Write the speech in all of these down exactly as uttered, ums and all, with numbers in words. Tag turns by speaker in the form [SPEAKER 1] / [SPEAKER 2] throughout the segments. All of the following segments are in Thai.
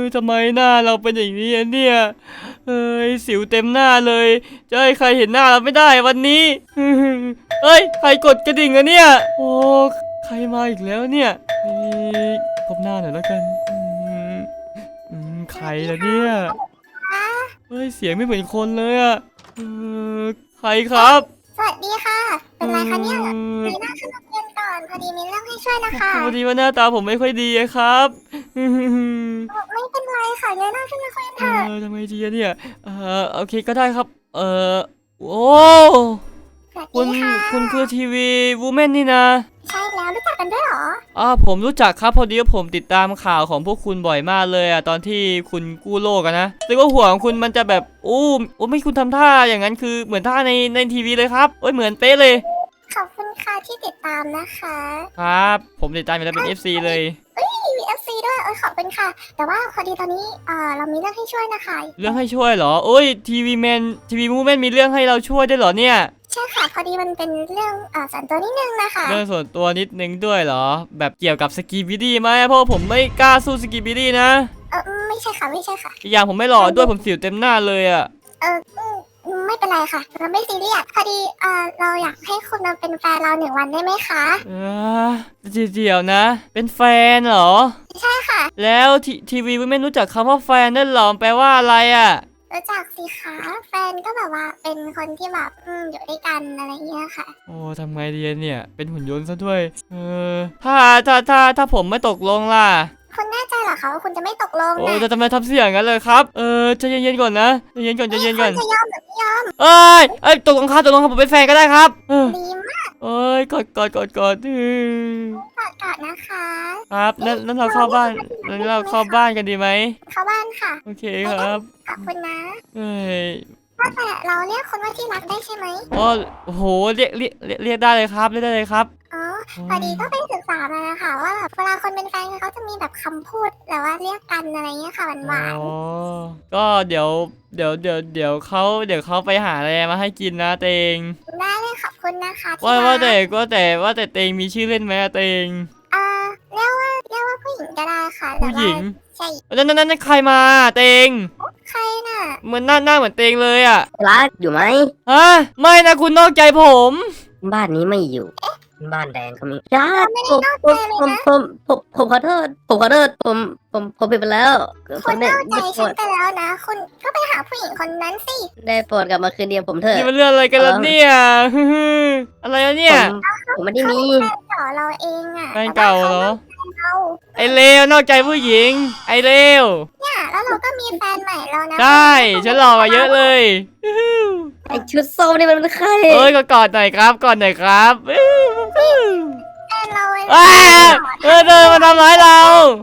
[SPEAKER 1] ทำไมหน้าเราเป็นอย่างนี้เนี่ยเอ้ยสิวเต็มหน้าเลยจะให้ใครเห็นหน้าเราไม่ได้วันนี้เฮ้ยใครกดกระดิ่งอะเนี่ยโอ้ใครมาอีกแล้วเนี่ยพบหน้าหน่อยแล้วกันอืมอืมใครล่ะเนี่ยเฮ้ยเสียงไม่เหมือนคนเลยอะเออใครครับ
[SPEAKER 2] สวัสดีค่ะเป็นไรคะเนี่ยมีหน้าขึ้นมาเรียนก่อนพอดีมีเรื่องให้ช่วยนะคะ
[SPEAKER 1] พอดีว่าหน้าตาผมไม่ค่อยดีครับ
[SPEAKER 2] ไม่เป็นไรค่ะเงยหน้าขึ้นมาคุยกันเถอะ
[SPEAKER 1] เออทำไมดีเนี่ยเออโอเคก็ได้ครับเออโอ้คุณคุณคือทีวีวูแมนนี่นะ
[SPEAKER 2] ใช่แล้วรู้จักกันด้วยหรอ
[SPEAKER 1] อ่าผมรู้จักครับพอดีว่าผมติดตามข่าวของพวกคุณบ่อยมากเลยอะตอนที่คุณกู้โลกอะนะแต่ว่าหัวของคุณมันจะแบบอู้โอ้ไม่คุณทำท่าอย่างนั้นคือเหมือนท่าในในทีวีเลยครับโอ้ยเหมือนเป๊ะเลย
[SPEAKER 2] ขอบคุณค่ะที่ติดตามนะคะ
[SPEAKER 1] ครับผมติดตามอยู่แล้วเป็น เอฟ ซี เลย
[SPEAKER 2] เอ้ยมี เอฟ ซี ด้วยเออขอบคุณค่ะแต่ว่าพอดีตอนนี้เออเรามีเรื่องให้ช่วยนะคะ
[SPEAKER 1] เรื่องให้ช่วยเหรอโอ้ยทีวีแมนทีวีมูแมนมีเรื่องให้เราช่วยได้เหรอเนี่ย
[SPEAKER 2] ใช่ค่ะพอดีมันเป็นเรื่องอ่าส่วนตัวนิดนึงนะคะ
[SPEAKER 1] เรื่องส่วนตัวนิดนึงด้วยเหรอแบบเกี่ยวกับสกีบิดี้ไหมเพราะผมไม่กล้าสู้สกีบิดี้นะ
[SPEAKER 2] เออไม่ใช่ค่ะไม่ใช่ค่ะ
[SPEAKER 1] อีกอย่างผมไม่หล่อด้วยผมสิวเต็มหน้าเลยอะ
[SPEAKER 2] เออไม่เป็นไรค่ะเราไม่ซีเรียสพอดีเออเราอยากให้คุณมาเป็นแฟนเราหนึ่งวันได้ไหมคะ
[SPEAKER 1] เออเดี๋ยวนะเป็นแฟนเหรอ
[SPEAKER 2] ใช่ค่ะ
[SPEAKER 1] แล้วทีวีไม่รู้จักคำว่าแฟนนั่นหรอแปลว่าอะไรอะ
[SPEAKER 2] รู้จักสิคะแฟนก็แบบว่าเป็นคนที่แบบอืมอยู่ด้วยกันอะไรเงี้ยค่ะ
[SPEAKER 1] โอ้ทำไงดีเนี่ยเป็นหุ่นยนต์ซะด้วยเออถ้าถ้าถ้าถ้าผมไม่ตกลงล่ะ
[SPEAKER 2] คุณแน่ใจเหรอคะว่าคุณจะไม่ตกลง
[SPEAKER 1] โอ้
[SPEAKER 2] นะ
[SPEAKER 1] จะทำไมทำเสียงกันเลยครับเออใจเย็นๆก่อนนะใจเย็นก่อนใจเย็นก่อน
[SPEAKER 2] จะยอมหรือไม่ยอม
[SPEAKER 1] เอ้ยเอ้ยตกลงครับตกลงครับผมเป็นแฟนก็ได้ครับ
[SPEAKER 2] ดีมาก
[SPEAKER 1] เอ้ยกอดกอดกอดกอด
[SPEAKER 2] กอดกอดนะคะ
[SPEAKER 1] ครับนั่นนั่นเราเข้าบ้านนั่นเราเข้าบ้านกันดีไหม
[SPEAKER 2] เข้าบ้านค่ะ
[SPEAKER 1] โอเคครับ
[SPEAKER 2] ขอบคุณนะ
[SPEAKER 1] เอ้ย
[SPEAKER 2] ว่าแต่เราเรียกคนว่าที่รักได้ใช่ไหม
[SPEAKER 1] อ๋อโอ้โหเรียกเรียกเรียกได้เลยครับเรียกได้เลยครับ
[SPEAKER 2] อ๋อพอดีก็ไปศึกษามานะคะว่าแบบเวลาคนเป็นแฟนเขาจะมีแบบคำพูดแบบว่าเรียกกันอะไรเงี้ยค่ะหวาน
[SPEAKER 1] อ๋อก็เดี๋ยวเดี๋ยวเดี๋ยวเดี๋ยวเขาเดี๋ยวเขาไปหาอะไรมาให้กินนะเตง
[SPEAKER 2] ได้เลยขอบคุณนะคะ
[SPEAKER 1] ว่าว่าแต่ก็แต่ว่าแต่เตงมีชื่อเล่นไหมเตง
[SPEAKER 2] อ่าเรียกว่าเรียกว่าผู้หญิงก็ได้ค่ะ
[SPEAKER 1] ผู้หญิง
[SPEAKER 2] ใช่
[SPEAKER 1] นั่นนั่นนั่นใครมาเตง
[SPEAKER 2] ใครน่ะ
[SPEAKER 1] เหมือนหน้าหน้าเหมือนเตงเลยอ่ะ
[SPEAKER 3] รักอยู่ไหม
[SPEAKER 1] ฮะไม่นะคุณนอกใจผม
[SPEAKER 3] บ้านนี้ไม่อยู่บ้านแดงก็มีรักผมผมผมผมผมขอโทษผมขอโทษผมผมผมผิดไปแล้ว
[SPEAKER 2] คุณนอกใจฉันไปแล้วนะคุณก็ไปหาผู้หญิงคนนั้นสิ
[SPEAKER 3] ได้โปรดกลับมาคืนเดียวผมเถอะ
[SPEAKER 1] นี่มันเรื่องอะไรกันล่ะเนี่ยอะไรเนี่ย
[SPEAKER 3] ผมไม่ได้มี
[SPEAKER 2] แฟนเก่าเราเองอ่ะ
[SPEAKER 1] แฟนเก่าเหรอไอเลวนอกใจผู้หญิงไอเลว
[SPEAKER 2] เนี่ยแล้วเราก็มีแฟนใหม่แล้วนะ
[SPEAKER 1] ใช่ฉันหล่อกว่าเยอะเลย
[SPEAKER 3] ไอชุดโซ่นี่มันเป็นใคร
[SPEAKER 1] เอ้ยก็กอดหน่อยครับกอดหน่อยครับ
[SPEAKER 2] แฟนเราเ
[SPEAKER 1] ออเออเดินมาทำร้ายเรา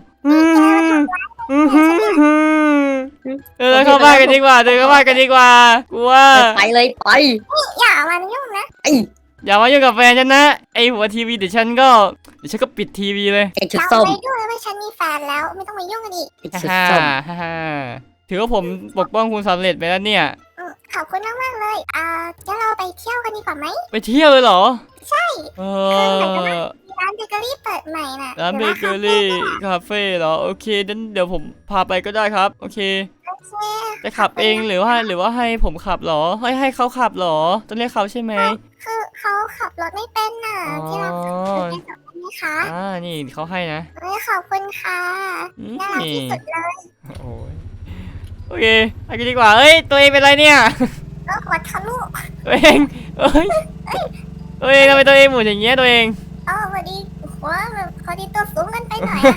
[SPEAKER 1] เออเข้าบ้านกันดีกว่าเดินเข้าบ้านกันดีกว่ากลัว
[SPEAKER 3] ไปเลยไป
[SPEAKER 2] อย่ามายุ่งนะ
[SPEAKER 3] ไอ
[SPEAKER 1] อย่ามายุ่งกับแฟนฉันนะไอหัวทีวีเดี๋ยวฉันก็เดี๋ยวฉันก็ปิดทีวีเลย
[SPEAKER 3] ไอชุดส้ม
[SPEAKER 2] ไม่ยุ่งเลยว่าฉันมีแฟนแล้วไม่ต้องมายุ่งกันอีก
[SPEAKER 1] ฮ่าฮ่าถือว่าผมปกป้องคุณสำเร็จไปแล้วเนี่ย
[SPEAKER 2] ขอบคุณมากมากเลยอ่างั้นเราไปเที่ยวกันดีกว่าไหม
[SPEAKER 1] ไปเที่ยวเลยเหรอ
[SPEAKER 2] ใช่
[SPEAKER 1] เอ
[SPEAKER 2] อร้านเบเกอรี่เปิดใหม่น่ะ
[SPEAKER 1] ร้านเบเกอรี่คาเฟ่เหรอโอเคนั้นเดี๋ยวผมพาไปก็ได้ครับโอเคจะขับเองหรือว่าหรือว่าให้ผมขับหรอให้ให้เขาขับหรอต้องเรียกเขาใช่ไหม
[SPEAKER 2] คือเขาขับรถไม่เป็นน่ะที่เราขับรถเป็นแบบนี้ค่ะ
[SPEAKER 1] อ่านี่เขาให้นะ
[SPEAKER 2] เฮ้ยขอบคุณค่ะน่ารักที่สุดเลย
[SPEAKER 1] โอ้ยโอเคไปกันดีกว่าเอ้ยตัวเองเป็นไรเนี่ย
[SPEAKER 2] เออวัดทะลุ
[SPEAKER 1] ตัวเองเอ้ยตัวเองทำไมตัวเองหมุนอย่างเงี้ยตัวเอง
[SPEAKER 2] เออพอดีหัวแบบพอดีตัวสูงกันไปหน่อย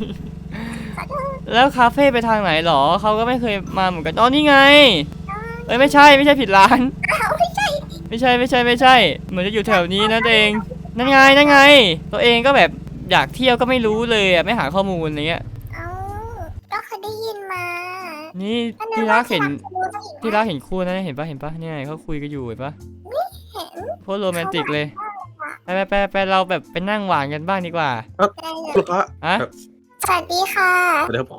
[SPEAKER 1] แล้วคาเฟ่ไปทางไหนหรอเขาก็ไม่เคยมาเหมือนกันอ๋อนี่ไงเอ้ยไม่ใช่ไม่ใช่ผิดร้าน
[SPEAKER 2] ไม่ใช่
[SPEAKER 1] ไม่ใช่ไม่ใช่ไม่ใช่เหมือนจะอยู่แถวนี้นะตัวเองนั่นไงนั่นไงตัวเองก็แบบอยากเที่ยวก็ไม่รู้เลยอ่ะไม่หาข้อมูลอะไรเงี้ย
[SPEAKER 2] เอ้าก็เคยได้ยินมา
[SPEAKER 1] นี่ที่รักเห็นที่รักเห็นคู่นะเห็นปะเห็นปะเนี่ยเขาคุยกันอยู่เห็นปะ
[SPEAKER 2] เห็น
[SPEAKER 1] โคตรโรแมนติกเลยไปไปไปไปเราแบบไปนั่งหวานกันบ้างดีกว่า
[SPEAKER 4] ลูกค้า
[SPEAKER 1] อะ
[SPEAKER 2] สวัสดีค่ะ
[SPEAKER 4] เดี๋ยวคุณ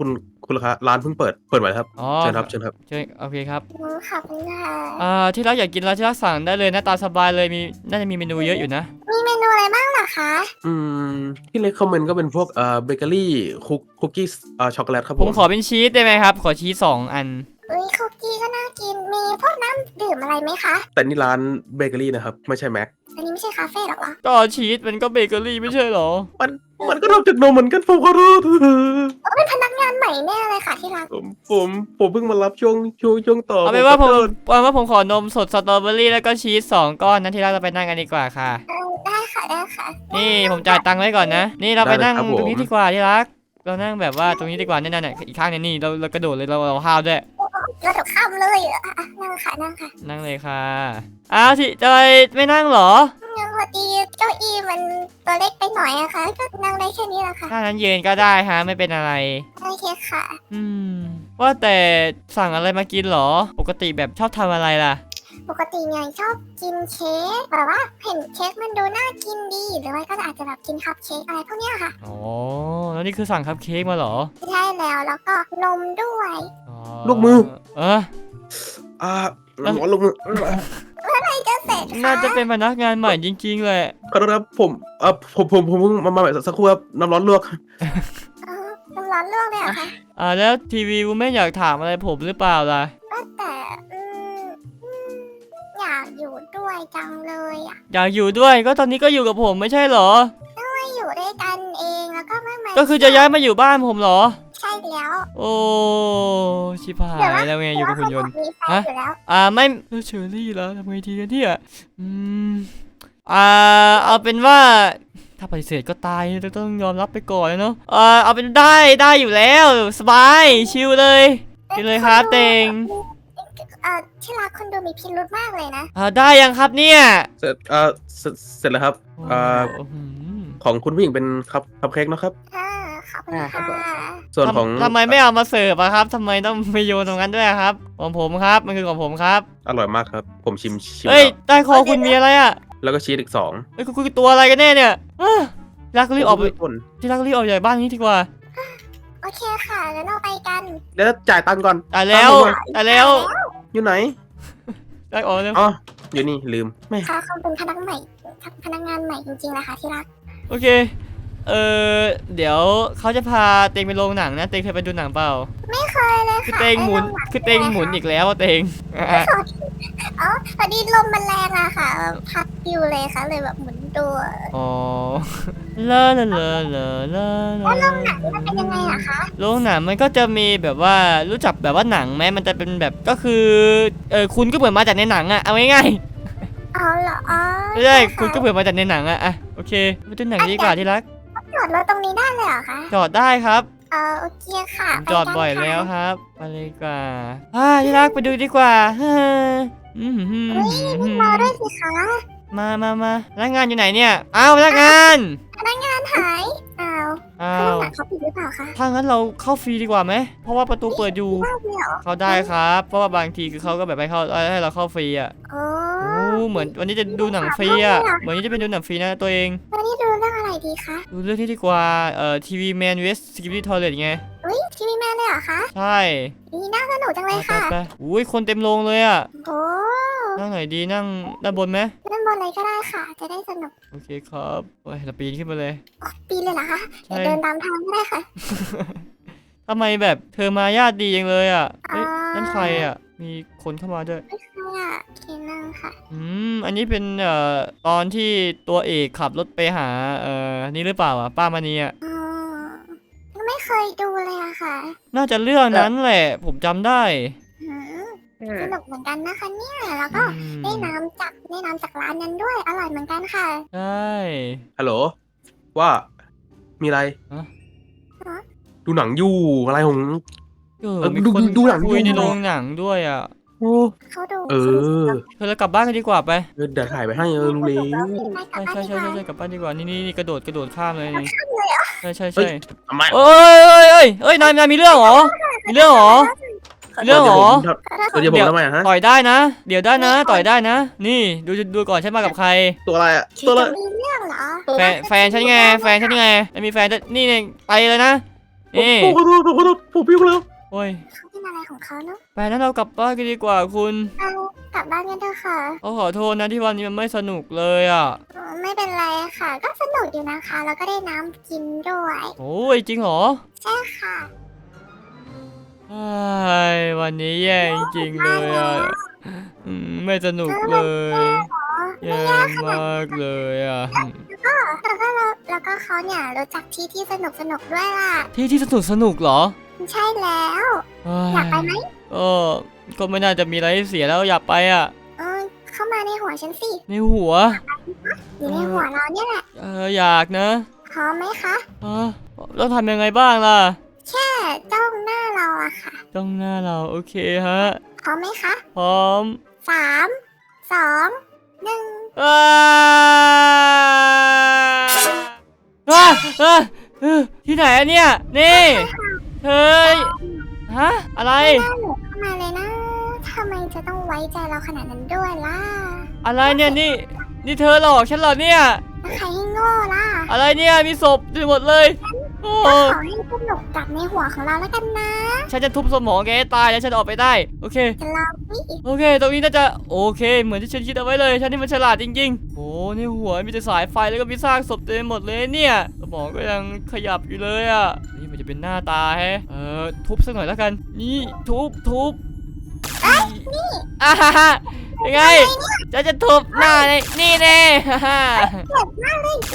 [SPEAKER 4] คุณลูกค้าร้านเพิ่งเปิดเปิดใหม่ครับ
[SPEAKER 1] อ๋อ
[SPEAKER 4] เชิญครับเชิญครับ
[SPEAKER 1] เชิญโอเคครับ
[SPEAKER 2] อืมขอบคุณค่ะ
[SPEAKER 1] อ่าที่รักอยากกินอะไรที่รักสั่งได้เลยนะตามสบายเลยมีน่าจะมีเมนูเยอะอยู่นะ
[SPEAKER 2] มีเมนูอะไรบ้างเหรอคะ
[SPEAKER 4] อืมที่เลคคอมเมนต์ก็เป็นพวกเอ่อเบเกอรี่คุกคุกกี้เอ่อช็อกโกแลตครับ
[SPEAKER 1] ผ
[SPEAKER 4] ผม ม
[SPEAKER 1] ขอเป็นชีสได้ไหมครับ ขอชีสสองอัน
[SPEAKER 2] อุ้ยคุกกี้ก็น่ากินมีพวกน้ำดื่มอะไรไหมคะ
[SPEAKER 4] แต่นี่ร้านเบเกอรี่นะครับไม่ใช่แม็ก
[SPEAKER 2] อันนี้ไม่ใช่คาเฟ่หรอกเหรอ
[SPEAKER 1] ก็ชีสมันก็เบเกอรี่ไม่ใช่เหรอ
[SPEAKER 4] มันมันก็ทำจากนมเหมือนกันผมขอโทษ
[SPEAKER 2] โอ้เป็นพนักงานใหม่แน่เลยค่ะที่รัก
[SPEAKER 4] ผมผมผมเพิ่งมารับช่วงช่วงช่วงต่อ
[SPEAKER 1] เอาเป็นว่าผม
[SPEAKER 4] ขอโทษ
[SPEAKER 1] เอาเป็นว่าผมขอนมสดสตรอเบอรี่แล้วก็ชีสสองก้อนนะที่รักเราไปนั่งกันดีกว่าค่ะ
[SPEAKER 2] เออได้ค่ะได้ค่ะ
[SPEAKER 1] นี่ผมจ่ายตังค์ไว้ก่อนนะ นี่เราไปนั่งตรงนี้ดีกว่าที่รัก เรานั่งแบบว่าตรงนี้ดีกว่าเนี่ยๆๆอีกข้างเนี่ยนี่เราเรากระโดดเลยเราเราห้าวด้วย
[SPEAKER 2] เราถูกข้ามเลยอ่ะอ่ะนั่งค่ะนั่งค่ะ
[SPEAKER 1] นั่งเลยค่ะอ้าวสิจอยไม่นั่งเหรอ
[SPEAKER 2] ยังพอดีเก้าอี้มันตัวเล็กไปหน่อยอะค่ะก็นั่งได้แค่นี้แหละค่ะ
[SPEAKER 1] ถ้านั้นเย็นก็ได้ฮะไม่เป็นอะไร
[SPEAKER 2] โอเคค่ะ
[SPEAKER 1] อืม ว่าแต่สั่งอะไรมากินเหรอ ปกติแบบชอบทำอะไรล่ะ
[SPEAKER 2] ปกติเนี่ยชอบกินเค้กแบบว่าเห็นเค้กมันดูน่ากินดี หรือว่าก็อาจจะแบบกินคัพเค้กอะไรพวกเนี้ยค่ะ
[SPEAKER 1] อ๋อ แล้วนี่คือสั่งคัพเค้กมาเหรอ
[SPEAKER 2] ใช่แล้วแล้วก็นมด้วย
[SPEAKER 1] อ๋อ
[SPEAKER 4] ลูกมือ
[SPEAKER 1] เออ
[SPEAKER 4] อ่าหมอลงมือ
[SPEAKER 2] จะเสร็จ
[SPEAKER 1] น่า
[SPEAKER 2] ค่ะ
[SPEAKER 1] จะเป็นพนักงานใหม่จริงๆเลย
[SPEAKER 4] ขอโทษครับผมเอ่อผมผมผมเพิ่งมามาแบบสักครู่ครับน้ำร้อนลวก
[SPEAKER 2] เออน้ำร้อนลวกเลยเหรอคะ
[SPEAKER 1] อ่าแล้วทีวีวูแม่อยากถามอะไรผมหรือเปล่าล่ะ
[SPEAKER 2] ว่าแต่อืมอืมอยากอยู่ด้วยจังเลยอ่ะ
[SPEAKER 1] อยากอยู่ด้วยก็ตอนนี้ก็อยู่กับผมไม่ใช่เหรอ
[SPEAKER 2] ไม่อยู่ด้วยกันเองแล้วก็ไม่มา
[SPEAKER 1] ก็คือจะย้ายมาอยู่บ้านผมเหรอ
[SPEAKER 2] ใช่แล้ว
[SPEAKER 1] โอ้ชิบหายแล้วไงอยู่กับหุ่นยนต์
[SPEAKER 2] มีแฟน
[SPEAKER 1] ฮะ
[SPEAKER 2] อยู่แล้ว
[SPEAKER 1] อ่าไม่เออเชอรี่แล้วทำไงดีกันเนี่ยอืมอ่าเอาเป็นว่า ถ้าปฏิเสธก็ตายจะต้องยอมรับไปก่อนเนาะอ่าเอาเป็นได้ได้อยู่แล้วสบายชิลเลยกินเลยครับเตง
[SPEAKER 2] เออที่รักคนดูมีพิรุธมากเลยนะ
[SPEAKER 1] อ่าได้ยังครับเนี่ย
[SPEAKER 4] เสร็จเอ่อเสร็จเสร็จแล้วครับเอ่อ
[SPEAKER 1] โอ้โห
[SPEAKER 4] ของคุณผู้หญิงเป็นคัพคัพเค้กนะครับ
[SPEAKER 2] ค่ะขอบคุณ
[SPEAKER 3] อ่าครั
[SPEAKER 2] ค่ะ
[SPEAKER 3] บผม
[SPEAKER 4] ส่วนของ
[SPEAKER 1] ทำทำไมไม่เอามาเสิร์ฟอะครับทำไมต้องไปโยนตรงนั้นด้วยอะครับของผมครับมันคือของผมครับ
[SPEAKER 4] อร่อยมากครับ ผมชิมชิม
[SPEAKER 1] เอ้ย
[SPEAKER 4] แล้ว
[SPEAKER 1] ใต้คอคุณมีอะไรอะ
[SPEAKER 4] แล้วก็ชีสอีกสอง
[SPEAKER 1] เอ้ยคุณคุณตัวอะไรกันแน่เนี่ยอ่ะที่รักรีบออกไป
[SPEAKER 4] คน
[SPEAKER 1] ที่รักรีบออกจากบ้านนี้ดีกว่า
[SPEAKER 2] โอเคค่ะแล้วเราไปกัน
[SPEAKER 4] แล้วจ่ายตังค์ก่อน
[SPEAKER 1] ตายแล้วตายแล้ว
[SPEAKER 4] อยู่ไหน
[SPEAKER 1] ได้ออกแล้ว
[SPEAKER 4] อ๋ออยู่นี่ลืมไม่
[SPEAKER 2] ค่ะเขาเป็นพนักใหม่พนักงานใหม่จริงๆนะคะที่รัก
[SPEAKER 1] โอเค เออเดี๋ยวเขาจะพาเตงไปโรงหนังนะเตงเคยไปดูหนังเปล่า
[SPEAKER 2] ไม่เคยเลย
[SPEAKER 1] คือ
[SPEAKER 2] ค่ะ
[SPEAKER 1] เตงหมุน
[SPEAKER 2] ไอ้ล
[SPEAKER 1] คือเตงหมุนอีกแล้วอะเตงอ่ะ
[SPEAKER 2] อ๋อพอดีลมมันแรงอะค่ะ พัดอยู่เลยค่ะเลยแบบหมุนตัว
[SPEAKER 1] อ๋อลาลาลาลาลาลา
[SPEAKER 2] มันเป็นยังไงอะคะ
[SPEAKER 1] โรงหนังมันก็จะมีแบบว่ารู้จักแบบว่าหนังไหมมันจะเป็นแบบก็คือเออคุณก็เหมือนมาจากในหนังอะเอาง่าย
[SPEAKER 2] เอาเหรออ๋อ
[SPEAKER 1] ๆไม่ใช่คุณก็เหมือนมาจากในหนังอะอ่ะโอเคไปดูหนังดีกว่าที่รัก
[SPEAKER 2] จอดรถตรงนี้ได้เลยเหรอคะ
[SPEAKER 1] จอดได้ครับ
[SPEAKER 2] เออโอเคค่ะ
[SPEAKER 1] ผมจอดบ่อยแล้วครับไปเลยดีกว่าอ่าที่รักไปดูดีกว่าฮ่าอืมหืม
[SPEAKER 2] เฮ้ยมีรอด้วยสิคะ
[SPEAKER 1] มามามาพนักงานอยู่ไหนเนี่ยอ้าวพนักงาน
[SPEAKER 2] พนักงานหายอ้าว
[SPEAKER 1] อ้า
[SPEAKER 2] เครื่อง
[SPEAKER 1] ว
[SPEAKER 2] หนังเขาปิดหรือเปล่าคะ
[SPEAKER 1] ถ้างั้นเราเข้าฟรีดีกว่าไหมเพราะว่าประตูเปิดอยู่
[SPEAKER 2] ได้เลยเหรอ
[SPEAKER 1] เข้าได้ครับ เพราะว่าบางทีคือเขาก็แบบให้เข้าให้เราเข้าฟรีอ่ะ
[SPEAKER 2] โอ้
[SPEAKER 1] โอ้เหมือนวันนี้จะดูหนังฟรีอ่ะเหมือนนี้จะเป็นดูหนังฟรีนะตัวเอง
[SPEAKER 2] วันนี้ดูเรื่องอะไรดีคะ
[SPEAKER 1] ดูเรื่องที่ดีกว่าเอ่อทีวีแมนเวสสกิปปี้ทอร์เรตไง
[SPEAKER 2] อุ้ยทีวีแมนเลยเหรอคะ
[SPEAKER 1] ใช่
[SPEAKER 2] ดีน่าสนุกจังเลย
[SPEAKER 1] ไป
[SPEAKER 2] ค่ะ
[SPEAKER 1] ไปอุ้ยคนเต็มโรงเลยอ่ะ
[SPEAKER 2] โอ้
[SPEAKER 1] นั่งไหนดีนั่งด้านบนไหม
[SPEAKER 2] เล่นบนอะไรก็ได้ค่ะ จะได้สนุก
[SPEAKER 1] โอเคครับโอ้ยเราปีนขึ้นมาเลย
[SPEAKER 2] อ๋อปีนเลยเหรอคะ
[SPEAKER 1] ใช่
[SPEAKER 2] เดี๋ยวเดินตามทางก็ได้ค่ะ
[SPEAKER 1] ทำไมแบบเธอมาญาติดีจังเลยอ่ะเฮ้ย
[SPEAKER 2] อ่านั่
[SPEAKER 1] นั่นใครอ่ะ มีคนเข้ามาด้วย
[SPEAKER 2] ไม่ใช่อ่ะโอเคนั่งค่ะ
[SPEAKER 1] อืม อันนี้เป็นเอ่อตอนที่ตัวเอกขับรถไปหาเอ่อนี่หรือเปล่าอ่ะป้ามณีอ่ะ
[SPEAKER 2] อ๋อไม่เคยดูเลยอะค่ะ
[SPEAKER 1] น่าจะเรื่องนั้นแหละ ผมจำได้
[SPEAKER 2] หืม
[SPEAKER 3] อืม
[SPEAKER 2] สนุกเหมือนกันนะคะเนี่ยแล้วก็
[SPEAKER 1] อืม
[SPEAKER 2] ได้น้ำจากได้น้ำจากร้านนั้นด้วย อร่อยเหมือนกันค่ะ
[SPEAKER 1] ใช่
[SPEAKER 4] ฮัลโหลว่ามีอะไร
[SPEAKER 1] ฮะ
[SPEAKER 4] ดูหนังอยู่อะไรของ
[SPEAKER 1] เออ
[SPEAKER 4] เออ
[SPEAKER 1] มี
[SPEAKER 4] ดู
[SPEAKER 1] คน
[SPEAKER 4] ดูหนัง
[SPEAKER 1] คุย
[SPEAKER 4] อยู่
[SPEAKER 1] ในโรงหนังด้วยอ่ะ
[SPEAKER 4] โอ้
[SPEAKER 2] เขาดู
[SPEAKER 4] เออ
[SPEAKER 1] เธอเรากลับบ้านกันดีกว่าไป
[SPEAKER 4] เออเดี๋ยวถ่ายไปให้เออรู้เลย
[SPEAKER 2] ไปกลั
[SPEAKER 1] ใช่
[SPEAKER 2] บบ้าน
[SPEAKER 1] ใช่
[SPEAKER 2] ดี
[SPEAKER 1] ใช่
[SPEAKER 2] กว่า
[SPEAKER 1] ใช่กลับบ้านดีกว่า นี่นี่นี่กระโดดกระโดดข้ามเลยนี่
[SPEAKER 2] ข้ามเลยเหรอ
[SPEAKER 1] ใช่ใช่
[SPEAKER 4] เฮ้
[SPEAKER 1] ใช่
[SPEAKER 4] ย ทำไม
[SPEAKER 1] เอ้ยเอ้ยเอ้ยเอ้ยนายนายมีเรื่องเหรอ มีเรื่องเหรอ มีเรื่องเหรอ
[SPEAKER 4] เดี๋ยวผมทำไมอะฮะ
[SPEAKER 1] ต่อยได้นะ เดี๋ยวได้นะ ต่อยได้นะ นี่ดูดูก่อนฉันมากับใคร
[SPEAKER 4] ตัวอะไรอะ
[SPEAKER 2] คิด
[SPEAKER 4] ตัวอะไร
[SPEAKER 2] จะมีเรื่องเหรอ
[SPEAKER 1] แฟนแฟนฉันไง แฟนฉันไงไม่มีแฟนจะนี่เนี่ยไปเลยนะ นี่
[SPEAKER 4] ผมขอโทษผมขอโทษผมพิ้วแล้ว
[SPEAKER 1] ย
[SPEAKER 2] เขาเป็นอะไรของเขาเนาะ
[SPEAKER 1] ไปนั้นเรากลับบ้านกันดีกว่าคุณ
[SPEAKER 2] เอากลับบ้านกันเถอะค่ะ
[SPEAKER 1] เขาขอโทษนะที่วันนี้มันไม่สนุกเลยอ่ะ
[SPEAKER 2] อ๋อไม่เป็นไรค่ะ ก็สนุกอยู่นะคะ แล้วก็ได้น้ำกินด้วย
[SPEAKER 1] โอ้ยจริงเหรอ
[SPEAKER 2] ใช่ค่ะ
[SPEAKER 1] ไอ้ยวันนี้แย่จริงๆเลยอ่ะอืมไม่สนุกเลย
[SPEAKER 2] อ๋อ
[SPEAKER 1] แย่มากเลยอ่ะ
[SPEAKER 2] แล้วก็แล้วแล้วก็เขาเนี่ยรู้จักที่ที่สนุกสนุกด้วยล่ะ
[SPEAKER 1] ที่ที่สนุกสนุกเหรอ
[SPEAKER 2] ใช่แล้ว
[SPEAKER 1] เฮ้ย
[SPEAKER 2] อยากไปไหม
[SPEAKER 1] ก็ก็ไม่น่าจะมีอะไรให้เสียแล้วอยากไปอ่ะ
[SPEAKER 2] เออเข้ามาในหัวฉันสิ
[SPEAKER 1] ในหัว
[SPEAKER 2] อยู่ในหัวเราเนี่ยแหละ
[SPEAKER 1] เอออยากนะ
[SPEAKER 2] พร้อมไหมคะ
[SPEAKER 1] เออต้องทำยังไงบ้างล่ะ
[SPEAKER 2] แค่จ้องหน้าเราอะค่ะ
[SPEAKER 1] ต้องหน้าเราโอเคฮะ
[SPEAKER 2] พร้อมไหมคะ
[SPEAKER 1] พร้อม
[SPEAKER 2] สามสองหนึ่ง
[SPEAKER 1] อ้าอ้าอ้าเออที่ไหนอะเนี่ย นี่เฮ้ยฮะ อะไร
[SPEAKER 2] หน้าหนูเข้ามาเลยนะทำไมจะต้องไว้ใจเราขนาดนั้นด้วยล่ะ
[SPEAKER 1] อะไรเนี่ย นี่ นี่เธอหลอกฉันเหรอเนี่ย
[SPEAKER 2] แล้วใครให้โง่ล่ะ
[SPEAKER 1] อะไรเนี่ย มีศพไปหมดเลย โอ้
[SPEAKER 2] ก็ขอให้สนุกกับในหัวของเราแล้วกันนะ
[SPEAKER 1] ฉันจะทุบสมองแกให้ตายแล้วฉันออกไปได้ โอเค
[SPEAKER 2] จะลองนี่
[SPEAKER 1] โอเค ตรงนี้น่าจะโอเค เหมือนที่ฉันคิดเอาไว้เลย ฉันนี่มันฉลาดจริงๆ โอ้ในหัวมีแต่สายไฟแล้วก็มีซากศพเต็มไปหมดเลยเนี่ย สมองก็ยังขยับอยู่เลยอ่ะ นี่มันจะเป็นหน้าตาแฮะ เออ ทุบสักหน่อยแล้วกัน นี่ทุบทุบนี่อ่าฮ่าฮ่ายังไงฉันจะทุบหน้าในนี่แน่ฮ่าฮ่า
[SPEAKER 2] เจ็บมากเลย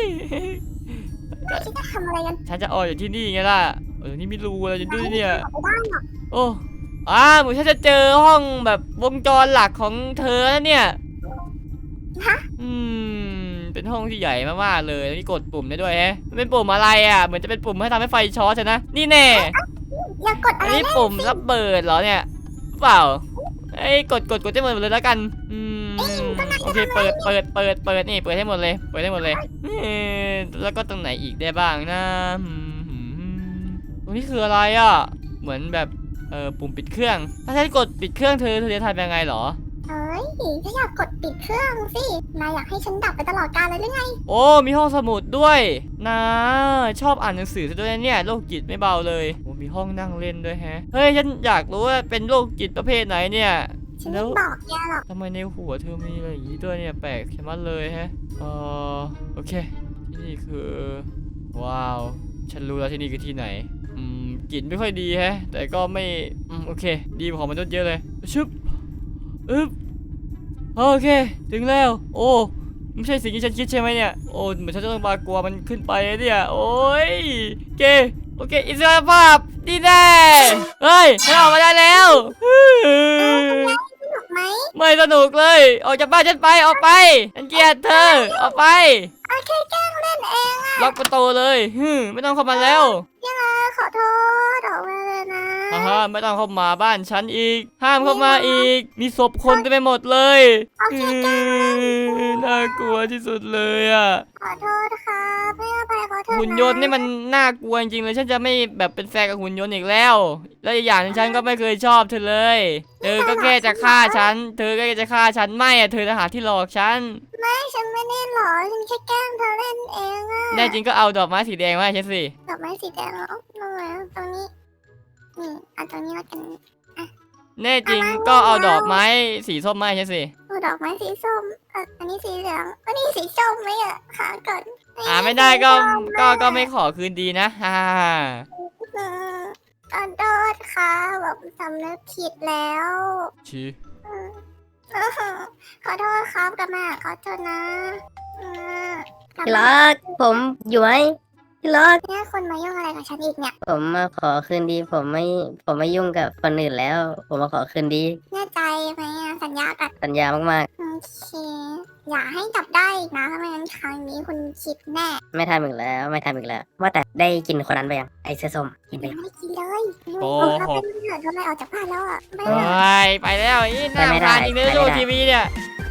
[SPEAKER 2] คิดจะทำอะไรกัน
[SPEAKER 1] ฉันจะออกจากที่นี่ไงล่ะ เออ นี่มีรูอะไรอยู่ด้วยเนี่ย
[SPEAKER 2] ไม่ได้หรอก
[SPEAKER 1] โอ้อ่าเหมือนฉันจะเจอห้องแบบวงจรหลักของเธอแล้วเนี่ย
[SPEAKER 2] ฮะ
[SPEAKER 1] อืม เป็นห้องที่ใหญ่มากๆเลยแล้วนี่กดปุ่มได้ด้วยแฮะมันเป็นปุ่มอะไรอ่ะ เหมือนจะเป็นปุ่มให้ทำให้ไฟช็อตใช่นะ นี่แน่
[SPEAKER 2] อย่ากดอะ
[SPEAKER 1] อัน
[SPEAKER 2] ไร
[SPEAKER 1] นี้
[SPEAKER 2] เลย
[SPEAKER 1] ปุ่มระเบิดเหรอเนี่ย เปล่าไอ้ยกดกดกดให้หมดเลยแล้วกัน อืม โอเค เปิดเปิดเปิดเปิดนี่ เปิดให้หมดเลย เปิดให้หมดเลยเอ๊ะแล้วก็ตรงไหนอีกได้บ้างนะอืมตรงนี้คืออะไรอ่ะ เหมือนแบบ เออปุ่มปิดเครื่อง ถ้าฉันกดปิดเครื่องเธอเธอจะทำยังไงเหรอ
[SPEAKER 2] เอ้ยถ้าอยากกดปิดเครื่องสินายอยากให้ฉันดับไปตลอดกาลเลยหรือไง
[SPEAKER 1] โอ้ มีห้องสมุดด้วยนะชอบอ่านหนังสือซะด้วยนะเนี่ยโรคจิตไม่เบาเลยโอ้มีห้องนั่งเล่นด้วยแฮะ เฮ้ย ฉันอยากรู้ว่าเป็นโรคจิตประเภทไหนเนี่ย
[SPEAKER 2] ฉัน
[SPEAKER 1] แล้
[SPEAKER 2] ไม่
[SPEAKER 1] ว
[SPEAKER 2] บอกแกหรอก
[SPEAKER 1] ทำไมในหัวเธอมีอะไรอย่างนี้ด้วยเนี่ยแปลกชะมัดเลยแฮะเออโอเค ที่นี่คือ ว้าว ฉันรู้แล้วที่นี่คือที่ไหน อืมกลิ่นไม่ค่อยดีแฮะ แต่ก็ไม่อืมโอเค ดีกว่าของมนุษย์เยอะเลยชึบอึ๊บโอเค ถึงแล้ว โอ้ไม่ใช่สิ่งที่ฉันคิดใช่ไหมเนี่ย โอ้เหมือนฉันจะต้องมากลัวมันขึ้นไปเนี่ย โอ้ยโอเค โอเค อิสรภาพดีแน่เฮ้ยฉันออกมาได้แล้ว
[SPEAKER 2] สนุกไหม
[SPEAKER 1] ไม่สนุกเลย ออกจากบ้านฉันไป ออกไป ฉันเกลียดเธอ ออกไป
[SPEAKER 2] โอเคแกล้งเล่นเองอะ
[SPEAKER 1] ล็อกประตูเลยฮึมไม่ต้องเข้ามาแล้ว
[SPEAKER 2] ยังไงขอโทษออกมาเลยนะ
[SPEAKER 1] ฮ่าฮ่าไม่ต้องเข้ามาบ้านฉันอีก ห้ามเข้ามาอีก มีศพคนเต็มไปหมดเลย
[SPEAKER 2] โอเคแกล้งเล่น
[SPEAKER 1] อืมน่ากลัวที่สุดเลยอ่ะ
[SPEAKER 2] ขอโทษค่ะไม่เอาไปขอโทษะ
[SPEAKER 1] หุ่นยนต์นี่มันน่ากลัวจริงๆเลย ฉันจะไม่แบบเป็นแฟนกับหุ่นยนต์อีกแล้ว และอีกอย่างหนึงฉันก็ไม่เคยชอบเธอเลย เธอก็แค่จะฆ่าฉัน เธอก็แค่จะฆ่าฉันไม่อะเธอทหารที่หลอกฉัน
[SPEAKER 2] ไม่ฉันไม่ได้หรอกฉันแค่แกล้งเธอเล่นเองอะ
[SPEAKER 1] แน่จริงก็เอาดอกไม้สีแดงมาให้ฉันสิ
[SPEAKER 2] ดอกไม้สีแดงเหรอตรงไหนตรงนี้นี่เอาตรงนี้แล้วกัน
[SPEAKER 1] แน่จริงก็เอาดอกไม้สีส้มมาให้ฉันสิ
[SPEAKER 2] เอาดอกไม้สีส้มเอ่ออันนี้สีเหลืองอันนี้สีส้มไหมอะหาก่อน
[SPEAKER 1] อ่าไม่ได้ก็ก็ก็ไม่ขอคืนดีนะ ฮ่าฮ่าฮ่า
[SPEAKER 2] อืมขอโทษค่ะแบบสำนึกผิดแล้ว
[SPEAKER 1] ชี
[SPEAKER 2] อืมขอโทษครับกลับมาขอโทษนะอืมกลับ
[SPEAKER 3] ที่
[SPEAKER 2] มา
[SPEAKER 3] รักผมอยู่ไหมที่รัก
[SPEAKER 2] เนี่ยคนมายุ่งอะไรกับฉันอีกเนี่ย
[SPEAKER 3] ผมมาขอคืนดี ผมไม่ผมไม่ยุ่งกับคนอื่นแล้ว ผมมาขอคืนดี
[SPEAKER 2] แน่ใจไหมอะสัญญากัน
[SPEAKER 3] สัญญามาก
[SPEAKER 2] โอเคอย่าให้จับได้อีกนะถ้าไม่งั้นครั้งนี้คุณคิดแน่
[SPEAKER 3] ๆ ไม่ทำอีกแล้ว ไม่ทำอีกแล้ว ว่าแต่ได้กินคนนั้นไปยังไอเสื้อส้มกินไป
[SPEAKER 2] ยัง
[SPEAKER 3] ยัง
[SPEAKER 2] ไม่ได้กินเลย
[SPEAKER 1] โอ้
[SPEAKER 2] โอ้
[SPEAKER 1] โห
[SPEAKER 2] โหเกิดทำไมออกจากบ้านแล้วอ่ะไม่
[SPEAKER 1] ไปไปแล้วอีน่ารำคาญจริงเลยดูทีวีเนี่ย